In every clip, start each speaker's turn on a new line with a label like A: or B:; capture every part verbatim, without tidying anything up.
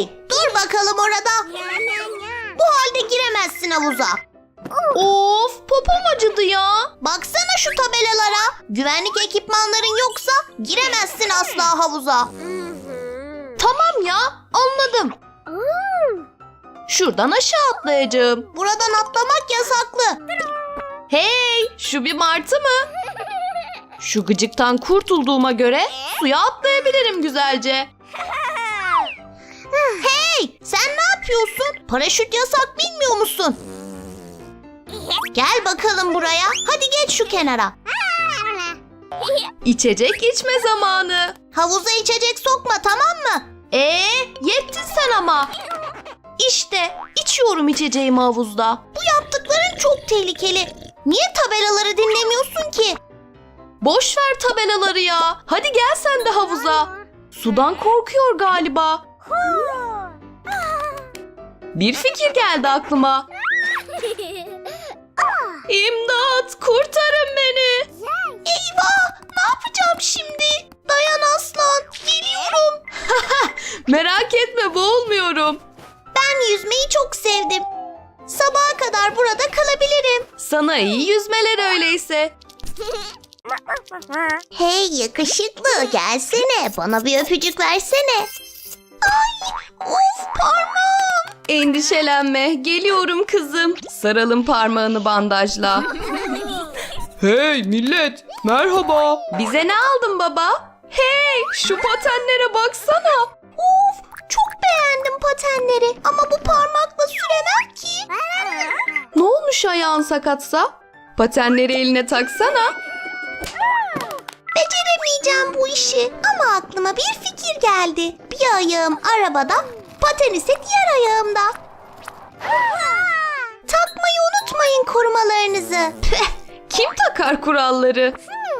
A: Hey, dur bakalım orada. Bu halde giremezsin havuza.
B: Of, popom acıdı ya.
A: Baksana şu tabelalara. Güvenlik ekipmanların yoksa giremezsin asla havuza.
B: Tamam ya, anladım. Şuradan aşağı atlayacağım.
A: Buradan atlamak yasaklı.
B: Hey, şu bir martı mı? Şu gıcıktan kurtulduğuma göre suya atlayabilirim güzelce.
A: Hey, sen ne yapıyorsun? Paraşüt yasak, bilmiyor musun? Gel bakalım buraya. Hadi geç şu kenara.
B: İçecek içme zamanı.
A: Havuza içecek sokma, tamam mı?
B: Ee, yettin sen ama. İşte içiyorum içeceğimi havuzda.
A: Bu yaptıkların çok tehlikeli. Niye tabelaları dinlemiyorsun ki?
B: Boş ver tabelaları ya. Hadi gel sen de havuza. Sudan korkuyor galiba. Bir fikir geldi aklıma. İmdat, kurtarın beni.
A: Eyvah! Ne yapacağım şimdi? Dayan aslan, geliyorum.
B: Merak etme, boğulmuyorum.
A: Ben yüzmeyi çok sevdim. Sabaha kadar burada kalabilirim.
B: Sana iyi yüzmeler öyleyse.
A: Hey yakışıklı, gelsene. Bana bir öpücük versene. Ay, of parmağım.
B: Endişelenme, geliyorum kızım. Saralım parmağını bandajla.
C: Hey millet, merhaba.
B: Bize ne aldın baba? Hey, şu patenlere baksana.
A: Of, çok beğendim patenleri. Ama bu parmakla süremem ki.
B: Ne olmuş ayağın sakatsa? Patenleri eline taksana.
A: Beceremeyeceğim bu işi. Ama aklıma bir fikir geldi. Bir ayağım arabada, paten ise diğer ayağımda. Takmayı unutmayın korumalarınızı.
B: Kim takar kuralları?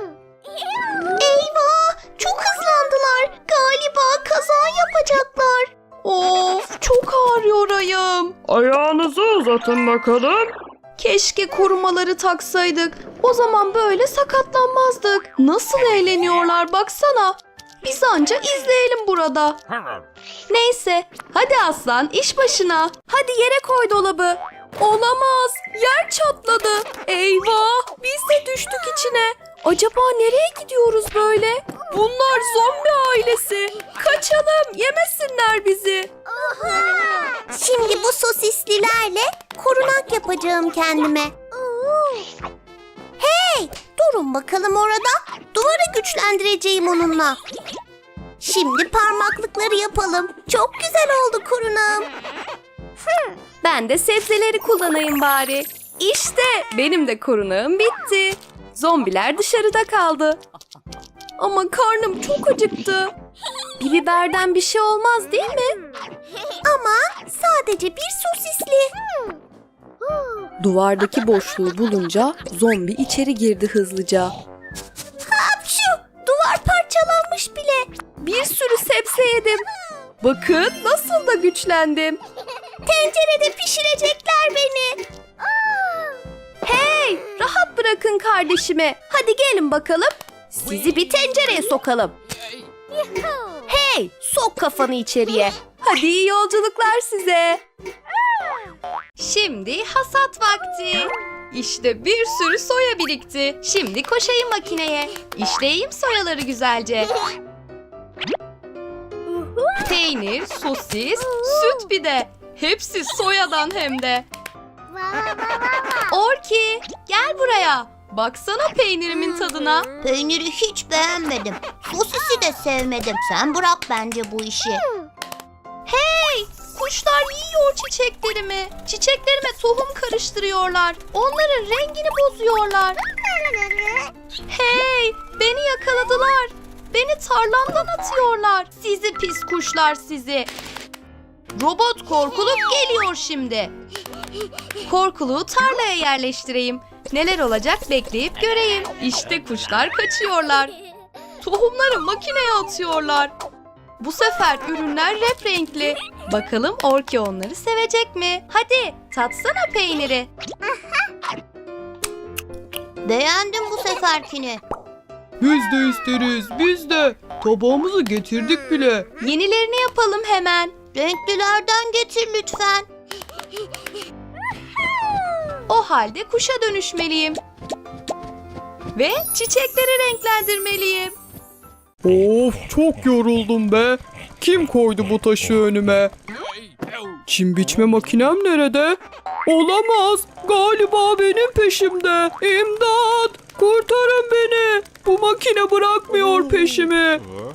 A: Eyvah! Çok hızlandılar. Galiba kaza yapacaklar.
B: Of, çok ağrıyor ayağım.
C: Ayağınızı uzatın bakalım.
B: Keşke korumaları taksaydık. O zaman böyle sakatlanmazdık. Nasıl eğleniyorlar baksana. Biz anca izleyelim burada. Neyse, hadi aslan iş başına. Hadi yere koy dolabı. Olamaz, yer çatladı. Eyvah, biz de düştük içine. Acaba nereye gidiyoruz böyle? Bunlar zombi ailesi. Kaçalım, yemesinler bizi.
A: Şimdi bu sosislilerle korunak yapacağım kendime. Hey! Durun bakalım orada. Duvarı güçlendireceğim onunla. Şimdi parmaklıkları yapalım. Çok güzel oldu korunağım.
B: Ben de sebzeleri kullanayım bari. İşte benim de korunağım bitti. Zombiler dışarıda kaldı. Ama karnım çok acıktı. Bir biberden bir şey olmaz değil mi?
A: Ama sadece bir sosisli.
B: Duvardaki boşluğu bulunca zombi içeri girdi hızlıca.
A: Hapşu! Duvar parçalanmış bile.
B: Bir sürü sebze yedim. Bakın nasıl da güçlendim.
A: Tencerede pişirecekler beni.
B: Hey, rahat bırakın kardeşimi. Hadi gelin bakalım. Sizi bir tencereye sokalım. Hey, sok kafanı içeriye. Hadi iyi yolculuklar size. Şimdi hasat vakti. İşte bir sürü soya birikti. Şimdi koşayım makineye. İşleyeyim soyaları güzelce. Peynir, sosis, süt bir de. Hepsi soyadan hem de. Orki, gel buraya. Baksana peynirimin tadına.
A: Peyniri hiç beğenmedim. Sosisi de sevmedim. Sen bırak bence bu işi.
B: Hey, kuşlar yiyor çiçeklerimi. Çiçeklerime tohum karıştırıyorlar. Onların rengini bozuyorlar. Hey, beni yakaladılar. Beni tarlamdan atıyorlar. Sizi pis kuşlar sizi. Robot korkuluk geliyor şimdi. Korkuluğu tarlaya yerleştireyim. Neler olacak bekleyip göreyim. İşte kuşlar kaçıyorlar. Tohumları makineye atıyorlar. Bu sefer ürünler renkli. Bakalım Orki onları sevecek mi? Hadi tatsana peyniri.
A: Beğendim bu seferkini.
C: Biz de isteriz, biz de. Tabağımızı getirdik bile.
B: Yenilerini yapalım hemen.
A: Renklilerden getir lütfen.
B: O halde kuşa dönüşmeliyim. Ve çiçekleri renklendirmeliyim.
C: Of, çok yoruldum be. Kim koydu bu taşı önüme? Çim biçme makinem nerede? Olamaz. Galiba benim peşimde. İmdat! Kurtarın beni. Bu makine bırakmıyor peşimi.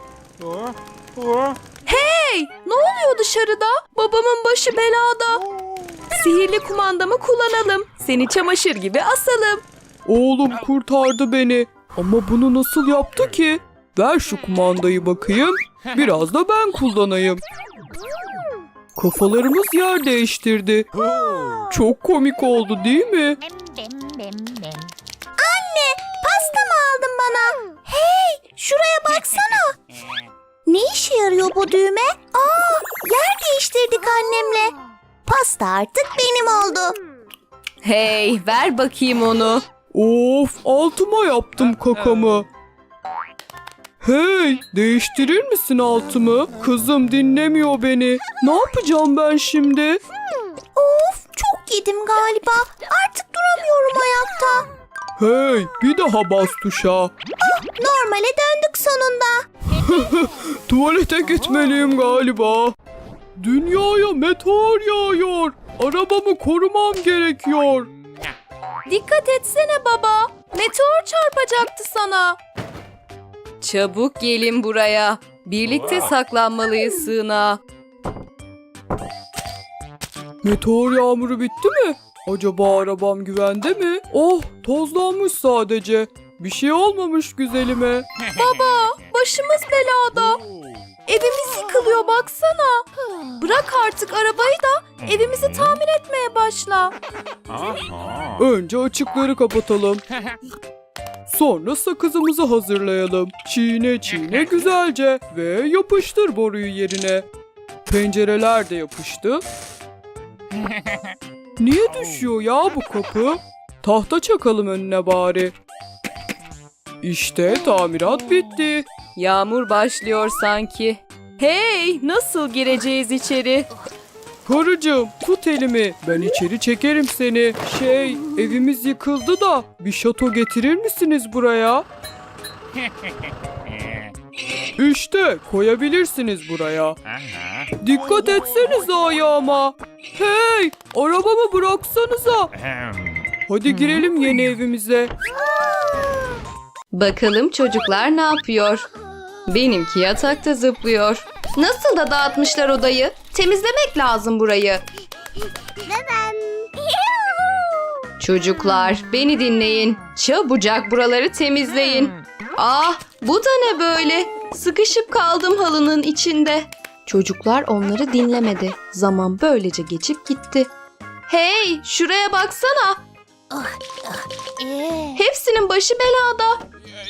B: Hey! Ne oluyor dışarıda? Babamın başı belada. Sihirli kumandamı kullanalım. Seni çamaşır gibi asalım.
C: Oğlum kurtardı beni. Ama bunu nasıl yaptı ki? Ver şu kumandayı bakayım. Biraz da ben kullanayım. Kafalarımız yer değiştirdi. Çok komik oldu değil mi?
A: Anne, pasta mı aldın bana? Hey, şuraya baksana. Ne işe yarıyor bu düğme? Aa, yer değiştirdik annemle. Pasta artık benim oldu.
B: Hey, ver bakayım onu.
C: Of, altıma yaptım kakamı. Hey, değiştirir misin altımı? Kızım dinlemiyor beni. Ne yapacağım ben şimdi?
A: Of, çok yedim galiba. Artık duramıyorum ayakta.
C: Hey, bir daha bas tuşa.
A: Normale döndük sonunda.
C: Tuvalete gitmeliyim galiba. Dünyaya meteor yağıyor. Arabamı korumam gerekiyor.
B: Dikkat etsene baba. Meteor çarpacaktı sana. Çabuk gelin buraya. Birlikte saklanmalıyız sığınağa.
C: Meteor yağmuru bitti mi? Acaba arabam güvende mi? Oh, tozlanmış sadece. Bir şey olmamış güzelime.
B: Baba, başımız belada. Evimiz yıkılıyor baksana. Bırak artık arabayı da evimizi tamir etmeye başla.
C: Önce açıkları kapatalım. Sonra sakızımızı hazırlayalım. Çiğne çiğne güzelce ve yapıştır boruyu yerine. Pencereler de yapıştı. Niye düşüyor ya bu kapı? Tahta çakalım önüne bari. İşte tamirat bitti.
B: Yağmur başlıyor sanki. Hey, nasıl gireceğiz içeri?
C: Karıcığım tut elimi. Ben içeri çekerim seni. Şey, evimiz yıkıldı da bir şato getirir misiniz buraya? İşte koyabilirsiniz buraya. Dikkat etsenize ayağıma. Hey, arabamı bıraksanıza. Hadi girelim yeni evimize.
B: Bakalım çocuklar ne yapıyor? Benimki yatakta zıplıyor. Nasıl da dağıtmışlar odayı? Temizlemek lazım burayı. Çocuklar beni dinleyin. Çabucak buraları temizleyin. Ah, bu da ne böyle? Sıkışıp kaldım halının içinde. Çocuklar onları dinlemedi. Zaman böylece geçip gitti. Hey, şuraya baksana. Hepsinin başı belada.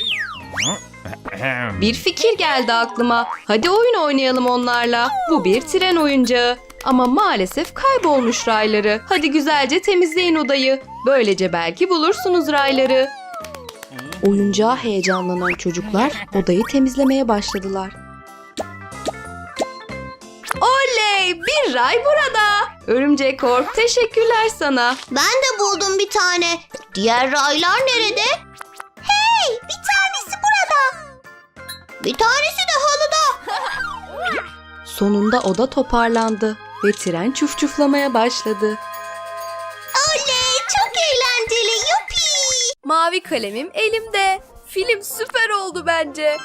B: Bir fikir geldi aklıma. Hadi oyun oynayalım onlarla. Bu bir tren oyuncağı. Ama maalesef kaybolmuş rayları. Hadi güzelce temizleyin odayı. Böylece belki bulursunuz rayları. Oyuncağa heyecanlanan çocuklar odayı temizlemeye başladılar. Oley! Bir ray burada. Örümcek Kork, teşekkürler sana.
A: Ben de buldum bir tane. Diğer raylar nerede? Hey, bir tanesi burada. Bir tanesi de halıda.
B: Sonunda oda toparlandı ve tren çufçuflamaya başladı.
A: Oley, çok eğlenceli. Yuppie.
B: Mavi kalemim elimde. Film süper oldu bence.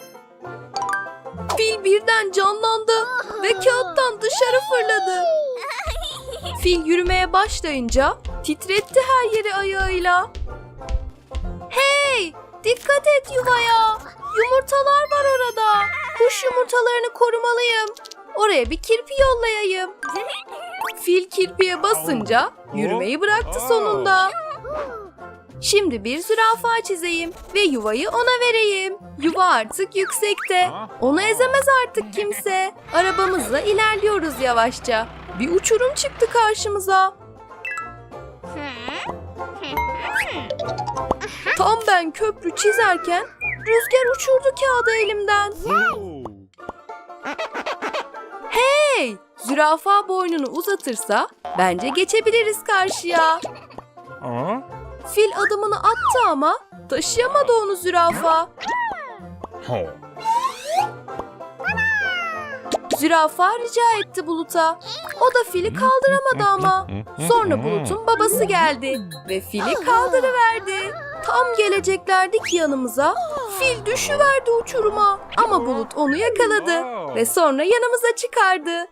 B: Fil birden canlandı ve kağıttan dışarı fırladı. Fil yürümeye başlayınca titretti her yeri ayağıyla. Hey! Dikkat et yuvaya. Yumurtalar var orada. Kuş yumurtalarını korumalıyım. Oraya bir kirpi yollayayım. Fil kirpiye basınca yürümeyi bıraktı sonunda. Şimdi bir zürafa çizeyim ve yuvayı ona vereyim. Yuva artık yüksekte. Onu ezemez artık kimse. Arabamızla ilerliyoruz yavaşça. Bir uçurum çıktı karşımıza. Tam ben köprü çizerken rüzgar uçurdu kağıdı elimden. Hey! Zürafa boynunu uzatırsa bence geçebiliriz karşıya. Fil adımını attı ama taşıyamadı onu zürafa. Zürafa rica etti Bulut'a. O da fili kaldıramadı ama. Sonra Bulut'un babası geldi ve fili kaldırıverdi. Tam geleceklerdi ki yanımıza, fil düşüverdi uçuruma. Ama Bulut onu yakaladı ve sonra yanımıza çıkardı.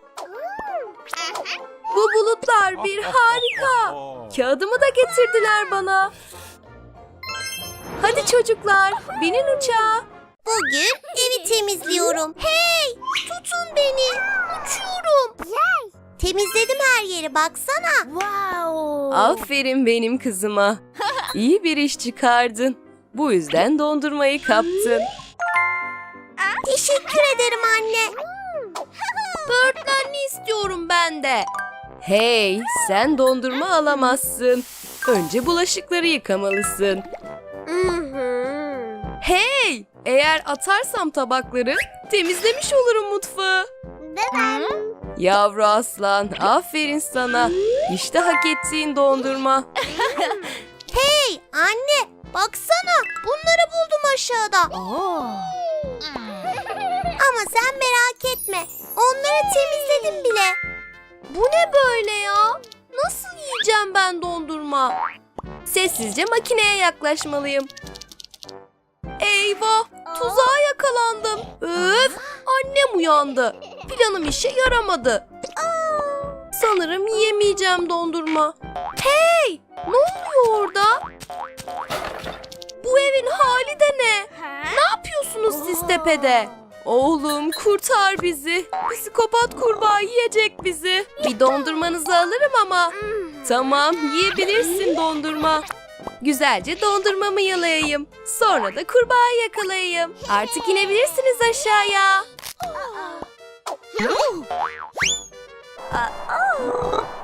B: Bu bulutlar bir harika. Kağıdımı da getirdiler bana. Hadi çocuklar, binin uçağa.
A: Bugün evi temizliyorum. Hey, tutun beni. Uçuyorum. Temizledim her yeri, baksana. Wow.
B: Aferin benim kızıma. İyi bir iş çıkardın. Bu yüzden dondurmayı kaptın.
A: Teşekkür ederim anne.
B: Böğürtlenli istiyorum ben de. Hey, sen dondurma alamazsın. Önce bulaşıkları yıkamalısın. Hey, eğer atarsam tabakları temizlemiş olurum mutfağı. Yavru aslan, aferin sana. İşte hak ettiğin dondurma.
A: Hey anne, baksana, bunları buldum aşağıda. Ama sen merak etme, onları temizledim bile.
B: Bu ne böyle ya? Nasıl yiyeceğim ben dondurma? Sessizce makineye yaklaşmalıyım. Eyvah! Tuzağa yakalandım. Öf! Annem uyandı. Planım işe yaramadı. Sanırım yiyemeyeceğim dondurma. Hey! Ne oluyor orada? Bu evin hali de ne? Ne yapıyorsunuz siz tepede? Oğlum kurtar bizi. Psikopat kurbağa yiyecek bizi. Bir dondurmanızı alırım ama. Tamam, yiyebilirsin dondurma. Güzelce dondurmamı yalayayım. Sonra da kurbağayı yakalayayım. Artık inebilirsiniz aşağıya.